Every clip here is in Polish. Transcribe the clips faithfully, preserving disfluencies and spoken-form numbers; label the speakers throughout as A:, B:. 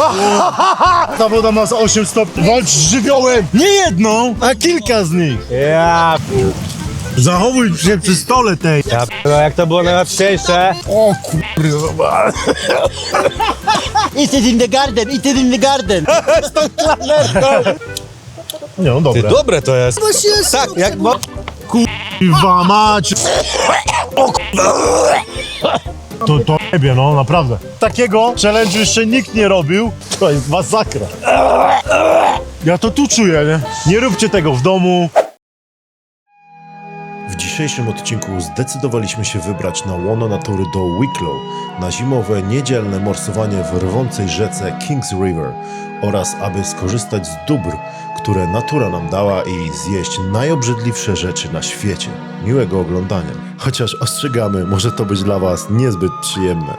A: Ta woda ma osiem stopni. Walcz z żywiołem! Nie jedną, a kilka z nich.
B: Ja
A: Zachowuj się przy stole tej.
B: Ja no jak to było najłatwiejsze.
A: O kurwa.
C: It is in the garden, it is in the garden.
A: Nie, no dobre.
B: Dobre to jest. Tak, jak bo...
A: Kurwa mać. O kurwa. To, to jebie, no naprawdę. Takiego challenge'u jeszcze nikt nie robił. To jest masakra. Ja to tu czuję, nie? Nie róbcie tego w domu.
D: W dzisiejszym odcinku zdecydowaliśmy się wybrać na łono natury do Wicklow na zimowe, niedzielne morsowanie w rwącej rzece Kings River oraz aby skorzystać z dóbr, które natura nam dała i zjeść najobrzydliwsze rzeczy na świecie. Miłego oglądania. Chociaż ostrzegamy, może to być dla Was niezbyt przyjemne.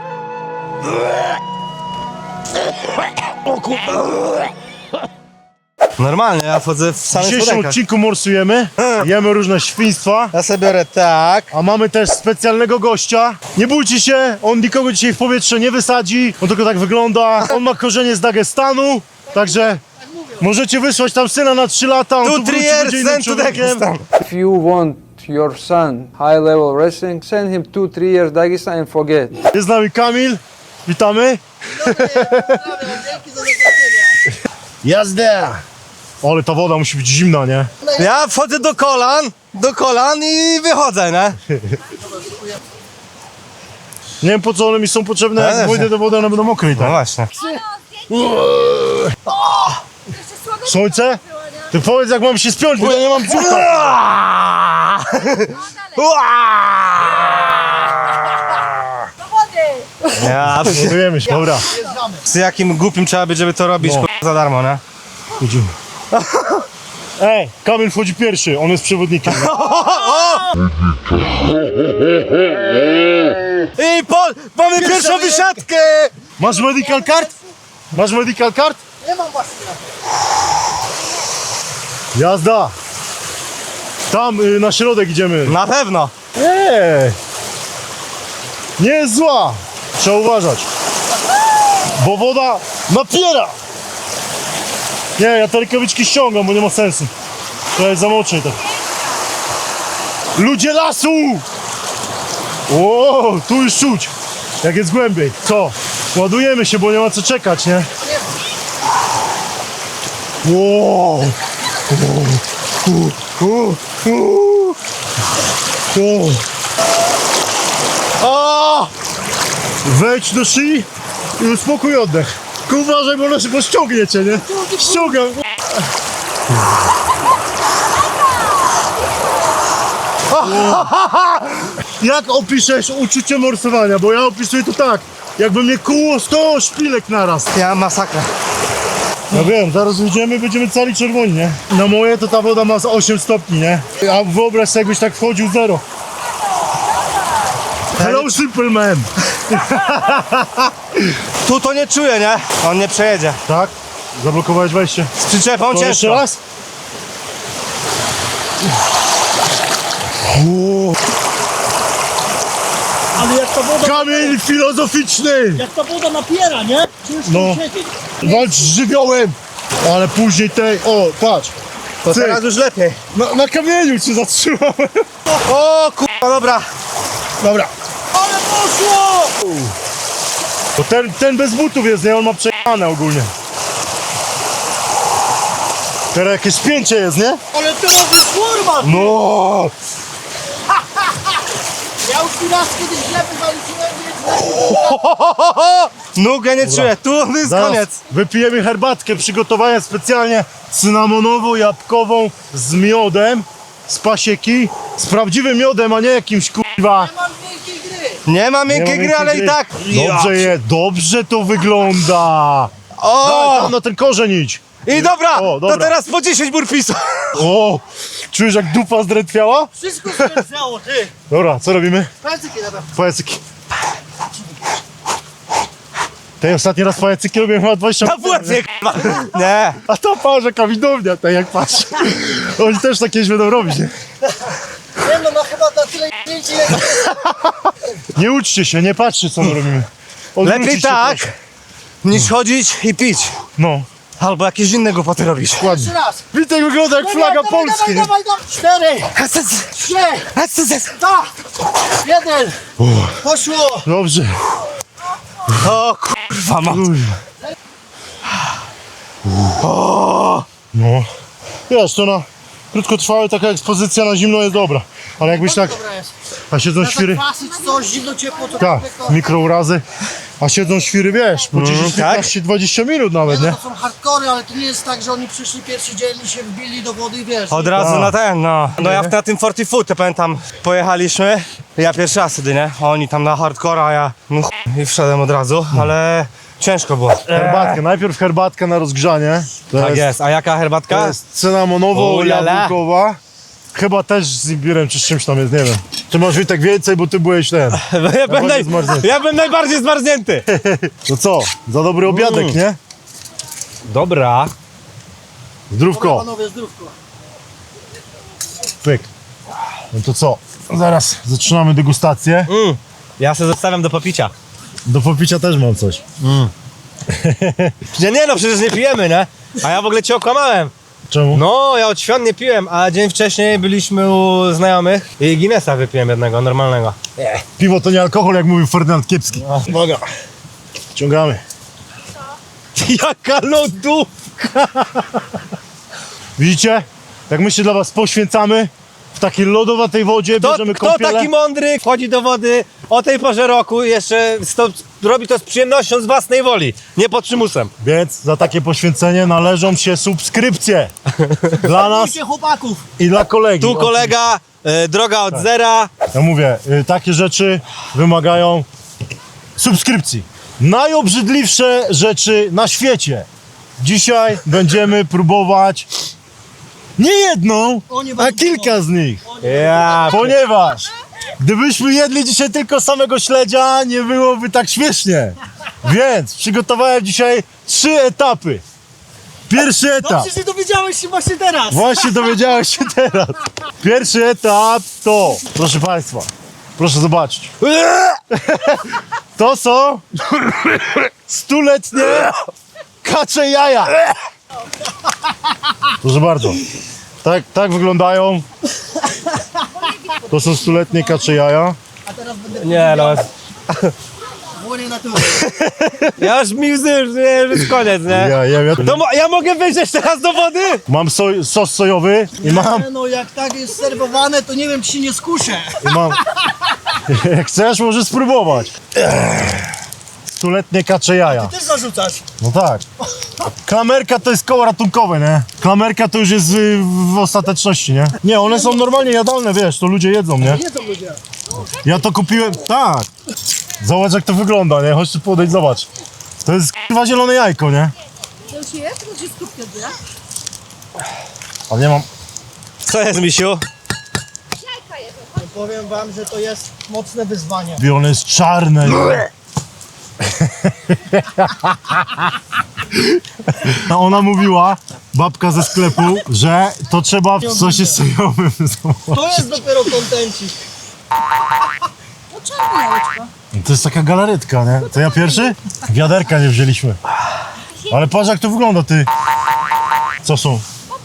B: Normalnie, ja wchodzę w
A: W
B: samych
A: dzisiejszym
B: spodenkach.
A: odcinku morsujemy, jemy różne świństwa,
B: Ja sobie biorę tak.
A: a mamy też specjalnego gościa. Nie bójcie się, on nikogo dzisiaj w powietrze nie wysadzi, on tylko tak wygląda. On ma korzenie z Dagestanu, także możecie wysłać tam syna na trzy lata, on
B: Two,
A: tu
B: three
A: wróci,
B: years,
A: będzie innym
B: send to
A: człowiekiem.
B: Dagestan.
E: If you want your son high level wrestling, send him two, three years Dagestan and forget.
A: Jest z nami Kamil, witamy. Jazda! Ale ta woda musi być zimna, nie?
B: Ja wchodzę do kolan, do kolan i wychodzę, nie?
A: Nie wiem po co one mi są potrzebne,
B: Ja
A: jak
B: też
A: pójdę
B: nie.
A: do wody, one będą mokre i
B: No
A: tak.
B: właśnie.
A: Słońce? Ty powiedz jak mam się spiąć, bo ja nie mam brzucha.
B: Ja,
A: Budujemy się, dobra.
B: z jakim głupim trzeba być, żeby to robić
A: No.
B: k***a, za darmo, nie?
A: Idziemy. Ej, Kamil wchodzi pierwszy, on jest przewodnikiem.
B: I po, mamy pierwszą wysiadkę!
A: Masz medical card? Masz medical card? Nie mam właśnie. Jazda! Tam y, na środek idziemy.
B: Na pewno.
A: Nie! Nie jest zła! Trzeba uważać. Bo woda napiera! Nie, ja te rękawiczki ściągam, bo nie ma sensu. To jest za mocno tak. Ludzie lasu! O, tu już czuć, jak jest głębiej. Co? Ładujemy się, bo nie ma co czekać, nie? Wow. O! Wejdź do szyi i uspokój oddech. Tylko uważaj, bo ono ściągnie cię, nie? Ściągam. Jak opiszesz uczucie morsowania? Bo ja opisuję to tak, jakby mnie kuło sto szpilek naraz.
B: Ja masakra.
A: Ja wiem, zaraz wyjdziemy, będziemy cali czerwoni, nie? Na moje to ta woda ma z osiem stopni, nie? A wyobraź sobie, jakbyś tak wchodził zero. Hello, simple man!
B: Tu to nie czuję, nie? On nie przejedzie.
A: Tak? Zablokowałeś wejście.
B: Z przyczepą
A: To jeszcze
B: ciężko.
A: raz?
C: Ale jak ta woda,
A: Kamień filozoficzny!
C: jak ta woda napiera, nie? Ciężko
A: No.
C: siedzieć.
A: Walcz z żywiołem! Ale później tej... O, patrz!
B: To
A: Cyk.
B: teraz już lepiej.
A: Na, na kamieniu cię zatrzymałem.
B: O kurwa, dobra.
A: Dobra.
C: Ale poszło!
A: Bo ten, ten bez butów jest, nie? On ma przejechane ogólnie. Teraz jakieś spięcie jest, nie?
C: Ale teraz jest kurwa!
A: No.
C: Ja już raz kiedyś źle wywaliłem, więc...
B: Nóg ja nie czuję, tu jest
A: Zaraz
B: koniec.
A: wypijemy herbatkę przygotowania specjalnie cynamonowo-jabłkową z miodem, z pasieki, z prawdziwym miodem, a nie jakimś kurwa.
C: Mam wielkiej gry!
B: Nie ma miękkiej
A: Nie ma
B: gry, ale
A: miękkiej
B: i tak.
A: Dobrze je, dobrze to wygląda. Dawaj,
B: O!
A: tam na ten korzeń idź.
B: I dobra,
A: O, dobra.
B: to teraz po dziesięć burpisów.
A: O, czujesz jak dupa zdrętwiała?
C: Wszystko spędzało, ty!
A: Dobra, co robimy?
C: Pajacyki na pewno.
A: Pajacyki. Ten ostatni raz pajacyki robiłem chyba dwadzieścia
B: Na
A: lat temu,
B: płecie, kurwa. Nie.
A: a to parze kawidownia, tak jak patrz. Oni też takie będą robić, nie?
C: Nie no, ma chyba na tyle zdjęć, ile...
A: Nie uczcie się, nie patrzcie co my robimy. Odwróćcie
B: Lepiej
A: się,
B: tak.
A: proszę.
B: niż chodzić i pić.
A: No,
B: Albo jakieś inne głupoty robić.
A: ładnie.
C: Jeszcze raz.
A: Witek wygląda jak flaga
C: Dawaj,
A: Polski.
C: Dawaj, dawaj, dawaj. Cztery, trzy, dwa, jeden. Poszło.
A: Dobrze.
B: O kurwa ma.
A: No. Wiesz, to na krótkotrwałe taka ekspozycja na zimno jest dobra. Ale jakbyś tak,
C: Dobra jest.
A: a siedzą świry,
C: Kwasy czy coś, zimno, ciepło, to
A: tak,
C: to-
A: mikrourazy, a siedzą świry, wiesz, po dziesięć piętnaście dwadzieścia minut nawet, nie?
C: To są hardkory, ale to nie jest tak, że oni przyszli pierwszy dzień i się wbili do wody i wiesz.
B: Od razu
A: A.
B: na ten, no. No ja na tym forty foot, to pamiętam, pojechaliśmy. Ja pierwszy raz wtedy, nie? Oni tam na hardcora, a ja no ch... i wszedłem od razu, ale ciężko było.
A: Herbatkę, najpierw herbatka na rozgrzanie. To
B: Tak
A: jest,
B: jest, a jaka herbatka?
A: to jest cynamonowo-jabłkowa. Chyba też z imbirem czy z czymś tam jest, nie wiem. Ty masz Witek więcej, bo ty byłeś ten.
B: Ja byłem,
A: bardziej
B: naj...
A: zmarznięty.
B: ja byłem najbardziej zmarznięty.
A: To co? Za dobry obiadek,
B: Mm.
A: nie?
B: Dobra.
A: Zdrówko,
C: Panowie, zdrówko.
A: pyk. No to co? Zaraz zaczynamy degustację.
B: Mm. Ja sobie zostawiam do popicia.
A: Do popicia też mam coś.
B: Nie, nie no, przecież nie pijemy, nie? A ja w ogóle cię okłamałem.
A: Czemu?
B: No, ja od świąt nie piłem, a dzień wcześniej byliśmy u znajomych i Guinnessa wypiłem jednego, normalnego.
A: Piwo to nie alkohol, jak mówił Ferdynand Kiepski. Uwaga. Ciągamy.
B: Jaka lodówka!
A: Widzicie? Jak my się dla was poświęcamy w takiej lodowatej wodzie,
B: Kto,
A: bierzemy
B: kto
A: kąpiele.
B: taki mądry wchodzi do wody o tej porze roku i jeszcze sto, robi to z przyjemnością, z własnej woli, nie pod przymusem.
A: Więc za takie poświęcenie należą się subskrypcje. Dla nas
C: Słuchajcie chłopaków.
A: i dla kolegi.
B: Tu kolega, e, droga od zera.
A: Ja mówię, y, takie rzeczy wymagają subskrypcji. Najobrzydliwsze rzeczy na świecie. Dzisiaj będziemy próbować nie jedną,
C: O, nie
A: a
C: będę
A: kilka z nich.
B: Ja,
A: Ponieważ gdybyśmy jedli dzisiaj tylko samego śledzia, nie byłoby tak śmiesznie. Więc przygotowałem dzisiaj trzy etapy. Pierwszy
C: No
A: etap.
C: przecież nie dowiedziałeś się właśnie teraz.
A: Właśnie dowiedziałeś się teraz. Pierwszy etap to, proszę Państwa, proszę zobaczyć. To są stuletnie kacze jaja. Proszę bardzo. Tak, tak wyglądają. To są stuletnie kacze jaja.
C: A teraz będę
B: nie no,
C: Włonie na tył.
B: ja już mi łzy, już, nie, już jest koniec, nie?
A: Ja, ja, ja.
B: To mo- ja mogę wyjść jeszcze raz do wody?
A: Mam soj, sos sojowy i mam,
C: Nie, no jak tak jest serwowane, to nie wiem, czy się nie skuszę.
A: i mam. Jak chcesz, możesz spróbować. Stuletnie kacze jaja.
C: Też zarzucasz.
A: No tak. Klamerka to jest koło ratunkowe, nie? Klamerka to już jest y, w ostateczności, nie? Nie, one są normalnie jadalne, wiesz, to ludzie jedzą, nie?
C: Nie to ludzie.
A: Ja to kupiłem, tak. Zobacz jak to wygląda, nie? Chodź tu podejść, zobacz. To jest chyba zielone jajko, nie?
F: To już jest? To się skupia, nie?
A: Ale nie mam...
B: Co jest, misiu?
F: Jajka jest.
C: Powiem wam, że to jest mocne wyzwanie.
A: I one jest czarne, nie? A ona mówiła, babka ze sklepu, że to trzeba w sosie sojowym zamawiać.
C: To jest dopiero kontencik.
F: No czarne jajeczko.
A: To jest taka galaretka, nie? To ja pierwszy? Wiaderka nie wzięliśmy. Ale patrz jak to wygląda, ty. Co są?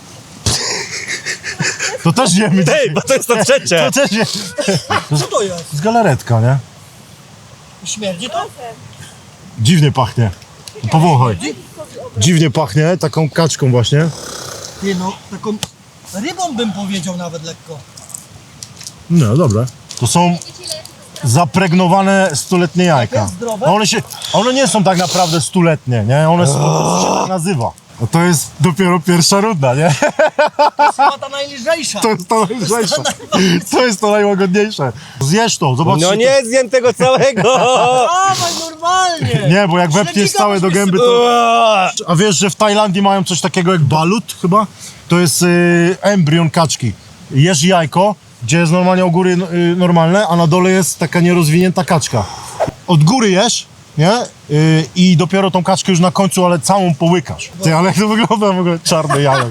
A: To też wiemy.
B: Ej, bo to jest to trzecie.
A: To też nie.
C: Co to jest?
A: To jest galaretka, nie?
C: Śmierdzi to?
A: Dziwnie pachnie. Powąchaj. Dziwnie pachnie, taką kaczką właśnie.
C: Nie no, taką rybą bym powiedział nawet lekko.
A: No, dobra. To są zapregnowane stuletnie jajka.
C: Jest zdrowe?
A: A one się, one nie są tak naprawdę stuletnie, nie? One są, to się tak nazywa. No to jest dopiero pierwsza runda, nie?
C: To jest chyba ta najlżejsza.
A: To jest to najlżejsze. To jest to najłagodniejsze. Zjesz to, zobacz.
B: No
A: czy
B: nie zjem tego całego.
C: Dawaj normalnie.
A: To... Nie, bo jak wepniesz całe do gęby, to... A wiesz, że w Tajlandii mają coś takiego jak balut chyba? To jest y, embrion kaczki. Jesz jajko, gdzie jest normalnie u góry y, normalne, a na dole jest taka nierozwinięta kaczka. Od góry jesz, nie? Y, I dopiero tą kaczkę już na końcu, ale całą połykasz. Ty, ale jak to wygląda w ogóle czarne jajo.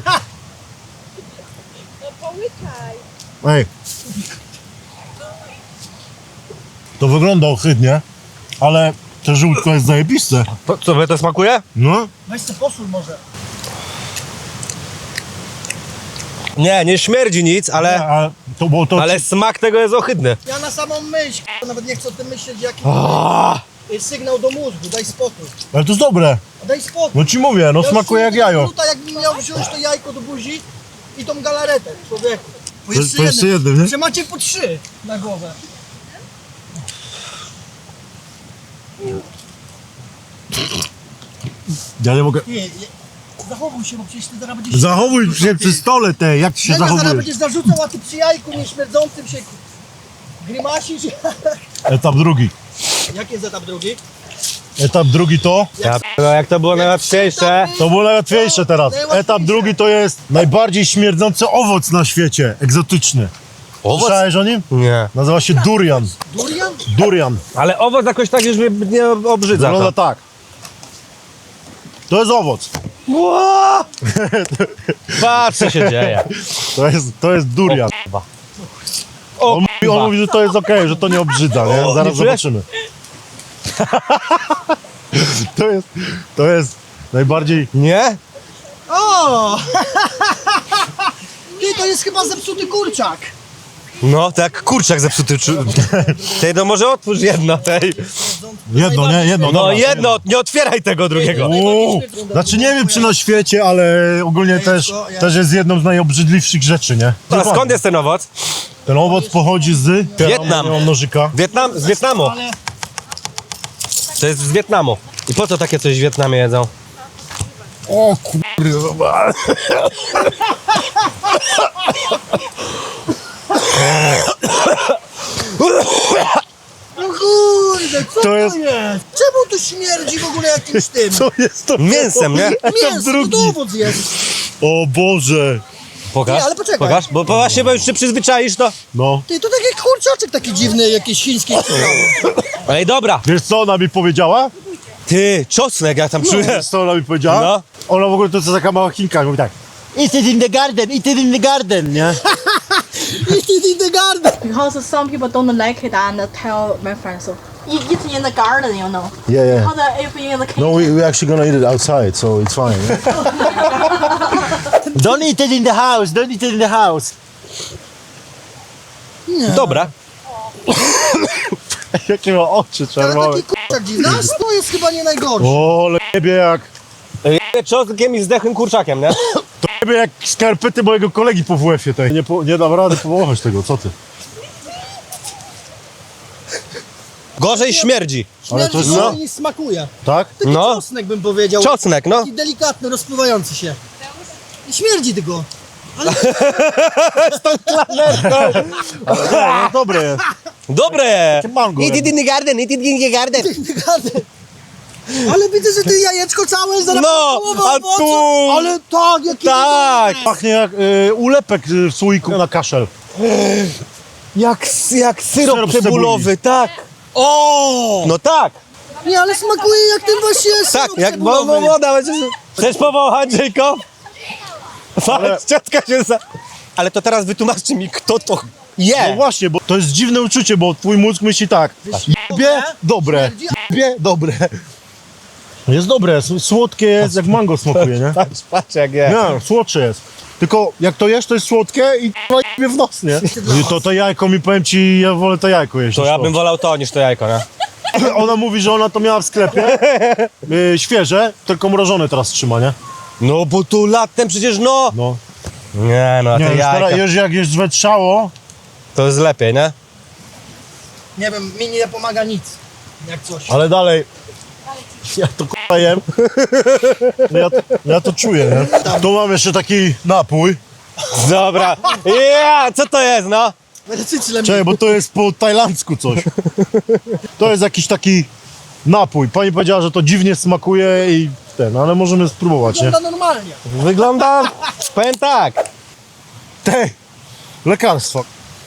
F: No połykaj.
A: Ej. To wygląda ohydnie, ale To żółtko jest zajebiste.
B: To, co, wy to smakuje?
A: No.
C: Weź sobie posól może.
B: Nie, nie śmierdzi nic, ale,
A: Ale to było to...
B: ale smak tego jest ohydny.
C: Ja na samą myśl, k***a, nawet nie chcę o tym myśleć, jaki
B: Ah.
C: to jest sygnał do mózgu, daj spokój.
A: Ale to jest dobre.
C: Daj spokój.
A: No ci mówię, no
C: Ja
A: smakuje jak
C: czuję tego
A: jajo.
C: Gluta, jakbym miał wziąć to jajko do buzi i tą galaretę, człowieku. Po
A: To- to jeszcze jednym, nie?
C: Że macie po trzy na głowę.
A: Ja nie mogę...
C: Nie, nie. Zachowuj się, bo przecież ty zaraz będziesz...
A: Zachowuj się przy stole te, jak ty się
C: Mega, zaraz
A: zachowujesz?
C: będziesz zarzucał, a ty przy jajku nieśmierdzącym się grymasisz.
A: Etap drugi.
C: Jaki jest etap drugi?
A: Etap drugi to...
B: Ja, no jak to było najłatwiejsze.
A: To było najłatwiejsze teraz.
C: Najłatwiejsze.
A: Etap drugi to jest najbardziej śmierdzący owoc na świecie. Egzotyczny.
B: Owoc?
A: Słyszałeś o nim?
B: Nie.
A: Nazywa się durian.
C: Durian?
A: Durian.
B: Ale owoc jakoś tak już mnie nie obrzydza.
A: Wygląda
B: To.
A: tak. To jest owoc.
B: Ła! Patrz co się dzieje.
A: To jest, to jest durian.
B: O,
A: On mówi, on mówi, że to jest okej, że to nie obrzydza, nie?
B: O,
A: Zaraz
B: nie czujesz?
A: zobaczymy. To jest, to jest najbardziej...
B: Nie?
C: O! Ty, to jest chyba zepsuty kurczak.
B: No, tak kurczak zepsuty. Czu... Tej, no może otwórz jedno tej.
A: Jedno, nie? Jedno.
B: No
A: dobra,
B: jedno, nie otwieraj tego drugiego.
A: Uuu, znaczy nie wiem czy na świecie, ale ogólnie też, też jest jedną z najobrzydliwszych rzeczy, nie?
B: A skąd jest ten owoc?
A: Ten owoc pochodzi z...
B: Wietnam.
A: Nie mam nożyka.
B: Wietnam? Z Wietnamu. To jest z Wietnamu. I po co takie coś w Wietnamie jedzą?
A: O kurwa.
C: No kurde, co
A: To
C: to
A: jest-
C: jest? Czemu to śmierdzi w ogóle jakimś tym?
A: Co jest to?
B: Mięsem, nie?
A: Etap
C: Mięso, to
A: drugi.
C: owoc jest.
A: O Boże.
B: Pokaż,
C: Nie, ale poczekaj.
B: pokaż, bo bo właśnie, bo już się przyzwyczaisz, to...
A: No.
C: Ty, to taki kurczaczek taki dziwny, jakiś chiński.
B: Ej, dobra.
A: Wiesz co ona mi powiedziała?
B: Ty, czosnek, jak tam czuję.
A: Wiesz co ona mi powiedziała?
B: No.
A: Ona w ogóle to jest taka mała Chinka, mówi tak. It is in the garden, it is in the garden, nie?
C: It is in the garden.
G: Because some people don't like it and tell my friends so eat it in the garden, you know.
A: Yeah, yeah.
G: Because if in the kitchen,
A: No, we, we're actually gonna eat it outside, so it's fine. Don't eat it in the house, don't eat it in the house.
B: Dobra.
A: Jakie ma oczy
C: Ale
A: czerwone.
C: taki kurczak dziwny. Nas to jest chyba nie najgorszy.
A: O, lebie jak...
B: Ej, czosnkiem i zdechłym kurczakiem, nie?
A: To lebie jak skarpety mojego kolegi po W F-ie tej. Nie, po, nie dam rady położyć tego, co ty?
B: Gorzej śmierdzi.
A: Ale to jest...
C: Śmierdzi
A: No.
C: niż smakuje.
A: Tak?
C: Taki
B: No.
C: czosnek bym powiedział.
B: Czosnek, no.
C: Taki delikatny, rozpływający się. I śmierdzi tylko.
A: No, dobre jest.
B: Dobre!
A: mango
B: Eat it in the garden, eat it in the garden.
C: Ale widzę, że ty jajeczko całe zaraz
B: No,
C: połowa
B: a
C: owocu.
B: tu-
C: Ale tak, jaki
B: Tak!
A: Pachnie jak y, ulepek y, w słoiku na kaszel.
B: Jak, jak syrop,
A: Syrop z
B: cebulowy, tak.
C: O!
B: No tak,
C: Nie, ale smakuje jak ten właśnie
B: tak,
C: syrop
B: jak bo,
C: cebulowy.
B: bo, woda. Chcesz powąchać, Jacob? Patrz, ciotka się za... Ale to teraz wytłumaczcie mi, kto to
A: No
B: je.
A: właśnie, bo to jest dziwne uczucie, bo twój mózg myśli tak. Jebie, dobre. Jebie, dobre. Jest dobre, s- słodkie jest, jak mango smakuje, nie?
B: Patrz, patrz jak je.
A: Nie, słodsze jest. Tylko jak to jesz, to jest słodkie i k***a jebie w nos, nie? I to to jajko mi, powiem ci, ja wolę to jajko jeść.
B: To
A: niż
B: ja bym wolał to niż to jajko, nie?
A: Ona mówi, że ona to miała w sklepie, y, świeże, tylko mrożone teraz trzyma, nie?
B: No bo tu latem przecież no.
A: No.
B: Nie no, a
A: Nie,
B: te
A: już teraz,
B: jajka,
A: już jak jest zwetrzało,
B: to jest lepiej, nie?
C: Nie wiem, mi nie pomaga nic. Jak coś.
A: ale dalej, ja to k***a jem, ja, ja to czuję, nie? Tu mam jeszcze taki napój.
B: Dobra. Ja, co to jest, no?
C: Cycle mi.
A: Czekaj, bo to jest po tajlandzku coś. To jest jakiś taki napój. Pani powiedziała, że to dziwnie smakuje i ten, ale możemy spróbować, nie?
C: Wygląda normalnie.
B: Wygląda, powiem tak.
A: Tej, lekarstwo.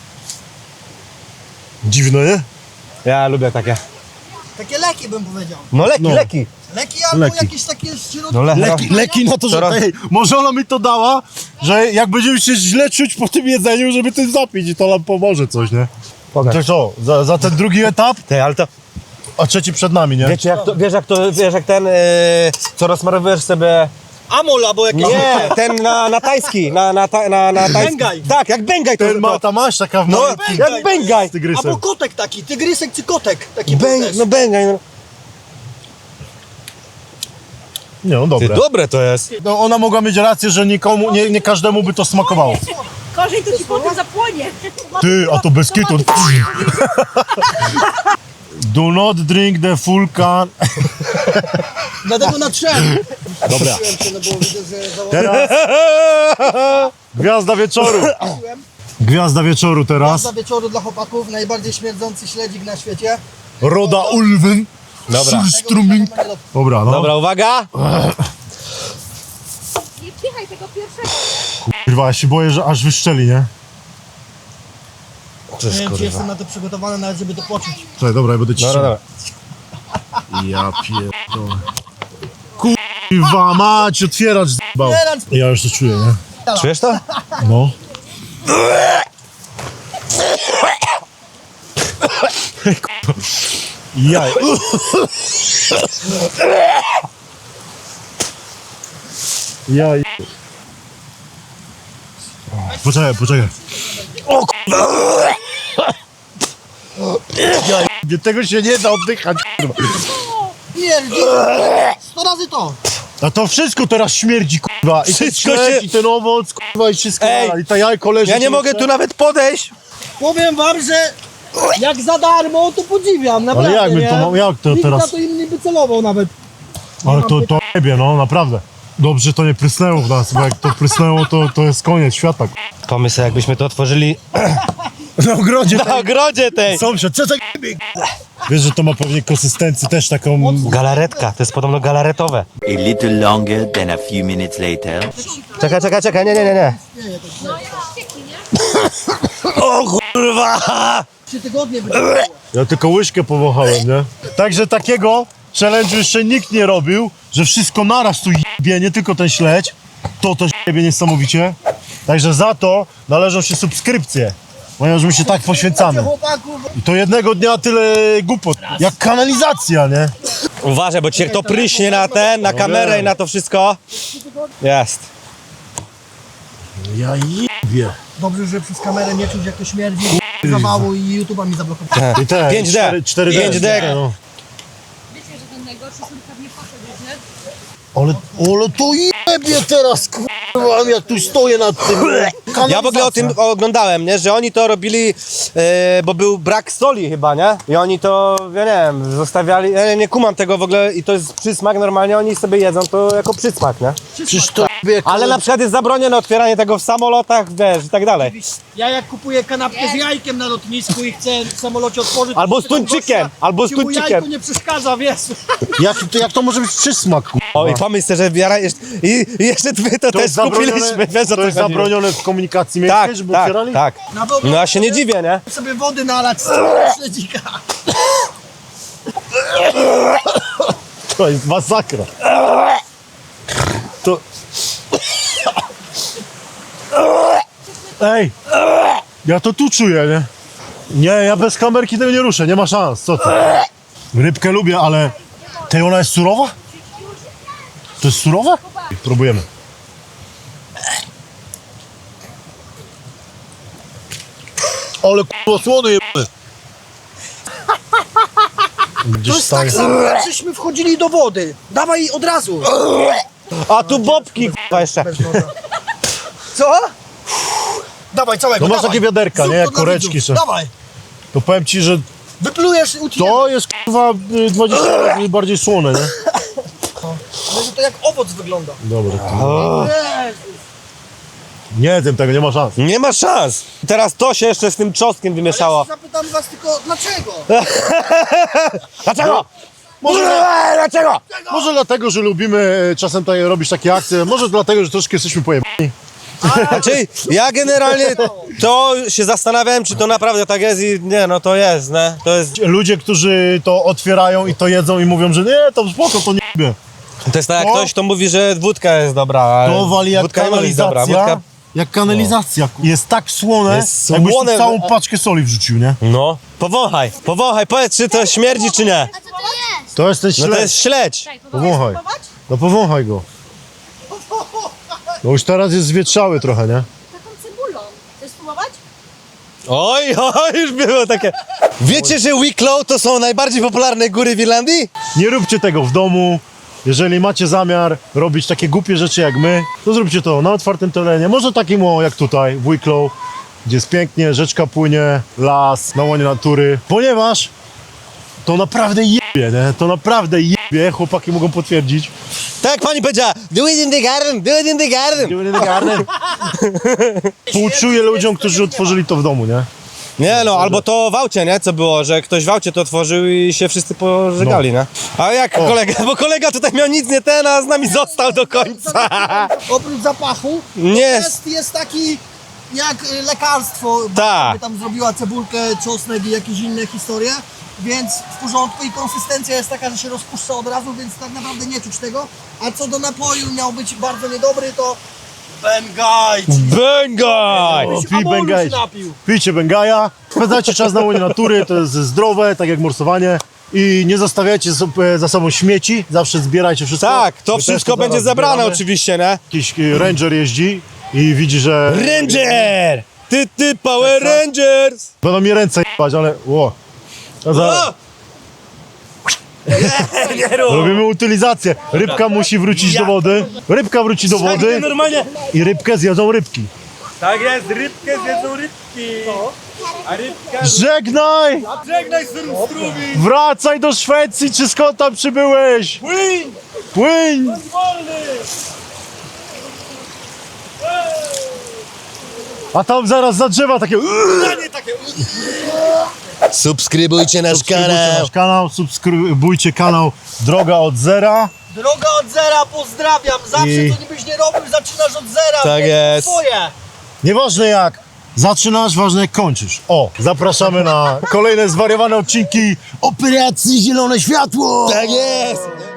A: Dziwne, nie?
B: Ja lubię takie.
C: Takie leki bym powiedział.
B: No leki,
A: No.
B: leki.
C: Leki albo
A: Leki.
C: jakieś takie środki.
B: No le-
A: Leki, leki na to, że
B: Teraz-
A: tej, może ona mi to dała, że jak będziemy się źle czuć po tym jedzeniu, żeby tym zapić i to nam pomoże coś, nie?
B: Pokaż.
A: To co, za, za ten drugi etap?
B: Ty, ale to...
A: a trzeci przed nami, nie?
B: Wiecie jak to, wiesz jak to, wiesz jak ten, yy, co rozmarowujesz sobie...
C: Amol albo jakiś...
B: Nie, ten na, na tajski, na, na, ta, na, na tajski.
C: Bengaj.
B: Tak, jak Bengaj to
A: Ten ma ta maść taka w
B: No,
A: malutkim
B: jak Bengaj.
A: z tygrysem.
C: Albo kotek taki, tygrysek czy kotek. Taki
B: Beng,
C: też.
B: no Bengaj, no.
A: Nie, no
B: Ty,
A: dobre.
B: dobre to jest.
A: No, ona mogła mieć rację, że nikomu, nie, nie każdemu by to smakowało.
F: Gorzej to ci potem zapłonie.
A: Ty, a to bez kitu. Do not drink the full can.
C: Dlatego na trzem.
A: Dobra.
C: No bo widzę, że założyłem.
A: Teraz gwiazda wieczoru. Gwiazda wieczoru teraz.
C: Za wieczoru dla chłopaków najbardziej śmierdzący śledzik na świecie.
A: Roda Ulven.
B: Dobra.
A: Surströmming. Dobra, no.
B: Dobra, uwaga.
F: Nie wpychaj tego pierwszego.
A: Kurwa, ja się boję, że aż wyszczeli, nie?
C: Nie wiem, czy jestem na to przygotowany, nawet żeby to poczuć.
A: Czekaj, dobra, ja będę ci
B: Dobra, dobra.
A: Ja pierdolę. Kurwa mać, otwieracz zbał. Ja już to czuję, nie?
B: Czujesz to?
A: No. Jaj. Jaj. Poczekaj, poczekaj. O kurwa. Jaj. Tego się nie da oddychać, kurwa.
C: Pierdzi! Sto razy to!
A: A to wszystko teraz śmierdzi, kurwa. I ten
B: Wszystko
A: śledź,
B: się-
A: i ten owoc, kurwa, i wszystko.
B: Ej,
A: I ta jajko leży.
B: Ja nie mogę tu nawet podejść.
C: Powiem wam, że jak za darmo, to podziwiam, naprawdę,
A: jak my
C: nie?
A: to mam- jak to
C: Nikt
A: teraz?
C: na to inny by celował nawet.
A: Ale to, to jebie, no, naprawdę. Dobrze, że to nie prysnęło w nas, bo jak to prysnęło, to, to jest koniec świata.
B: Pomysł, jakbyśmy to otworzyli
A: Na ogrodzie
B: na ogrodzie tej.
A: sąsiad, co za jebie? Wiesz, że to ma pewnie konsystencję też taką...
B: Galaretka, to jest podobno galaretowe.
H: A little longer than a few minutes later.
B: Czekaj, czekaj, czekaj, nie, nie, nie, nie. O kurwa!
C: Trzy tygodnie by
A: Ja tylko łyżkę powąchałem, nie? Także takiego challenge'u jeszcze nikt nie robił, że wszystko naraz tu jebie, nie tylko ten śledź. To też jebie niesamowicie. Także za to należą się subskrypcje, ponieważ my się tak poświęcamy.
C: chłopaków.
A: I to jednego dnia tyle głupot, jak kanalizacja, nie?
B: Uważaj, bo cię to pryśnie na ten, na kamerę i na to wszystko. Jest.
A: Ja jebie.
C: Dobrze, że przez kamerę nie czuć jak to śmierdzi. Zawału i YouTube'a mi zablokował.
A: I te,
B: pięć D.
A: cztery D.
B: pięć D.
A: No.
F: Wiecie, że ten najgorszy sól pewnie poszedł, nie?
A: Ale, ale to jebie teraz, kurwa, jak tu stoję nad tym.
B: Ja w ogóle o tym oglądałem, nie? Że oni to robili, e, bo był brak soli chyba, nie? I oni to, ja nie wiem, zostawiali, ja nie kumam tego w ogóle i to jest przysmak, normalnie oni sobie jedzą to jako przysmak, nie?
A: Przecież to jebie,
B: Ale na przykład jest zabronione otwieranie tego w samolotach, wiesz, i tak dalej.
C: Ja jak kupuję kanapkę z jajkiem na lotnisku i chcę w samolocie otworzyć...
B: Albo
C: to
B: z tuńczykiem,
C: gościa,
B: albo z
C: ci mu
B: tuńczykiem.
C: jajko nie przeszkadza, wiesz.
A: jak, to, jak to może być przysmak, kurwa?
B: O i pomyśl sobie, że wiara jeszcze, i, i jeszcze my to,
A: To
B: też
A: jest zabronione,
B: kupiliśmy, wiesz o
A: to
B: co
A: jest
B: chodzi.
A: zabronione w komunikacji miejskiej,
B: Tak,
A: żeby
B: tak,
A: otwierali?
B: tak.
C: Na pewno
B: No ja się nie dziwię, nie?
C: sobie wody nalać z całego śledzika.
A: To jest masakra. To... Ej, ja to tu czuję, nie? Nie, ja bez kamerki tego nie ruszę, nie ma szans, co ty? Rybkę lubię, ale... Tej ona jest surowa? To jest surowe? Próbujemy. Ale k***o słony jebany.
C: To
A: Gdzieś
C: jest tak
A: stanie.
C: samo, jak żeśmy wchodzili do wody. Dawaj od razu.
B: A tu bobki, k***a, jeszcze.
C: Bez noża. Co? Dawaj całego,
A: No masz
C: dawaj.
A: takie wiaderka,
C: Zrób
A: nie?
C: to
A: Jak
C: dla
A: koreczki
C: widzów.
A: są.
C: Dawaj.
A: To powiem ci, że
C: Wyplujesz i utniemy.
A: to jest kurwa y, dwadzieścia razy bardziej słone, nie?
C: Ale że to jak owoc wygląda.
A: Dobra. To... Nie wiem tego, nie ma szans.
B: Nie ma szans. Teraz to się jeszcze z tym czosnkiem wymieszało.
C: Ja zapytam was tylko, dlaczego?
B: Dlaczego?
A: Może,
B: Dlaczego?
A: może dlatego, że lubimy e, czasem tutaj robić takie akcje, może dlatego, że troszkę jesteśmy pojebani.
B: Znaczy, ja generalnie to się zastanawiałem, czy to naprawdę tak jest i nie, no to jest, nie? To jest,
A: Ludzie, którzy to otwierają i to jedzą i mówią, że nie, to spoko, to nie lubię.
B: to jest tak jak
A: To-
B: ktoś, kto mówi, że wódka jest dobra, a
A: To wali jak
B: wódka nie może być dobra.
A: kanalizacja.
B: Wódka,
A: Jak kanalizacja. ku- Jest tak słone,
B: Jest
A: jakbyś tu
B: słone.
A: całą paczkę soli wrzucił, nie?
B: No. Powąchaj, powąchaj, powiedz, czy to śmierdzi, czy nie.
A: To jest ten
B: No
A: śledź.
B: to jest śledź.
A: Powąchaj. No powąchaj go. No już teraz jest zwietrzały trochę, nie?
G: Taką cebulą. Chcesz spróbować?
B: Oj, oj, już było takie. Wiecie, że Wicklow to są najbardziej popularne góry w Irlandii?
A: Nie róbcie tego w domu. Jeżeli macie zamiar robić takie głupie rzeczy jak my, to zróbcie to na otwartym terenie. Może takim o, jak tutaj, w Wicklow, gdzie jest pięknie, rzeczka płynie, las, na łonie natury. Ponieważ to naprawdę jebie, nie? To naprawdę jebie, chłopaki mogą potwierdzić.
B: Tak jak pani powiedziała, do it in the garden, do it in the garden.
A: Współczuję ludziom, którzy otworzyli to w domu, nie?
B: Nie no, albo to w aucie, nie? Co było, że ktoś w aucie to otworzył i się wszyscy pożegali, nie? A jak kolega, bo kolega tutaj miał nic nie ten, a z nami został do końca.
C: Oprócz zapachu,
B: Nie.
C: jest, jest taki jak y, lekarstwo.
B: Tak.
C: By tam zrobiła cebulkę, czosnek i jakieś inne historie, więc w porządku i konsystencja jest taka, że się rozpuszcza od razu, więc tak naprawdę nie czuć tego. A co do napoju miał być bardzo niedobry, to Bengaj.
B: Bengaj!
A: O, pij Bengaj. Pijcie Bengaja, spędzajcie czas na łonie natury, to jest zdrowe, tak jak morsowanie. I nie zostawiajcie sobie za sobą śmieci, zawsze zbierajcie wszystko.
B: Tak, to
A: My też
B: wszystko będzie
A: zaraz
B: zebrane
A: zbieramy.
B: oczywiście, nie?
A: Jakiś y, ranger jeździ i widzi, że
B: Ranger! Ty, ty, Power Rangers!
A: będą mi ręce jebać, ale ło. A za...
B: O! Nie, nie rób!
A: Robimy utylizację. Rybka musi wrócić do wody. Rybka wróci do wody
B: Normalnie.
A: i rybkę zjedzą rybki.
B: Tak jest, rybkę zjedzą rybki. A rybka...
A: Żegnaj!
B: Żegnaj strumi!
A: Wracaj do Szwecji, czy skąd tam przybyłeś?
B: Płyń!
A: Płyń! A tam zaraz za drzewa takie...
B: Subskrybujcie nasz
A: Subskrybujcie nasz kanał, subskrybujcie kanał Droga od Zera.
C: Droga od zera, pozdrawiam. Zawsze
A: I-
C: co nie byś nie robił, zaczynasz od zera.
B: Tak
C: więc
B: jest.
C: Twoje.
A: Nieważne jak zaczynasz, ważne jak kończysz. O, zapraszamy na kolejne zwariowane odcinki Operacji Zielone Światło!
B: Tak jest!